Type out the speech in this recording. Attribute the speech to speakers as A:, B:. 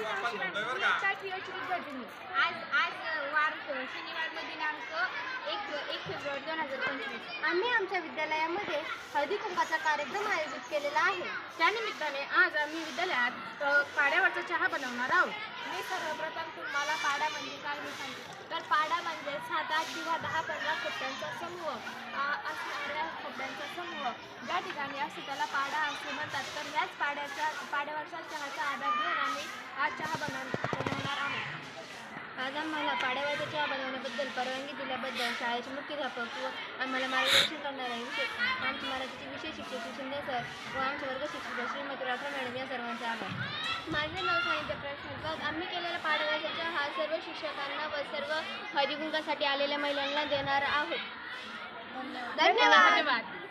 A: आज आज वार शनिवार दिनांक 1 फेब्रुवारी 2025
B: आम्ही आमच्या विद्यालयामध्ये हळदी कुंकाचा कार्यक्रम आयोजित केलेला आहे।
A: त्यानिमित्ताने आज आम्ही विद्यालयात पाड्यावरचा चहा बनवणार आहोत। मी सर्वप्रथम तुम्हाला पाडा म्हणजे काय हे सांगते। तर पाडा म्हणजे 7, 8 किंवा 10, 15 खोट्यांचा समूह असणाऱ्या खोट्यांचा समूह ज्या ठिकाणी असतो त्याला पाडा असे म्हणतात। तर ह्याच पाड्यावरचा चहाचा आधार घेऊन आम्ही आज चहा बनवणार आहोत।
B: आज आम्हाला पाड्यावरचा चहा बनवण्याबद्दल परवानगी दिल्याबद्दल शाळेचे मुख्याध्यापक व आम्हाला मार्गदर्शन करणारे आमचे मराठीचे विषय शिक्षक शिंदे सर व आमचे वर्ग शिक्षिका श्रीमती राठोड मॅडम या सर्वांचे आभार।
A: माझे नाव सानिध्य प्रश्न। आम्ही केलेला पाड्यावरचा चहा हा सर्व शिक्षकांना व सर्व हळदी कुंकासाठी आलेल्या महिलांना देणार आहोत।
B: धन्यवाद।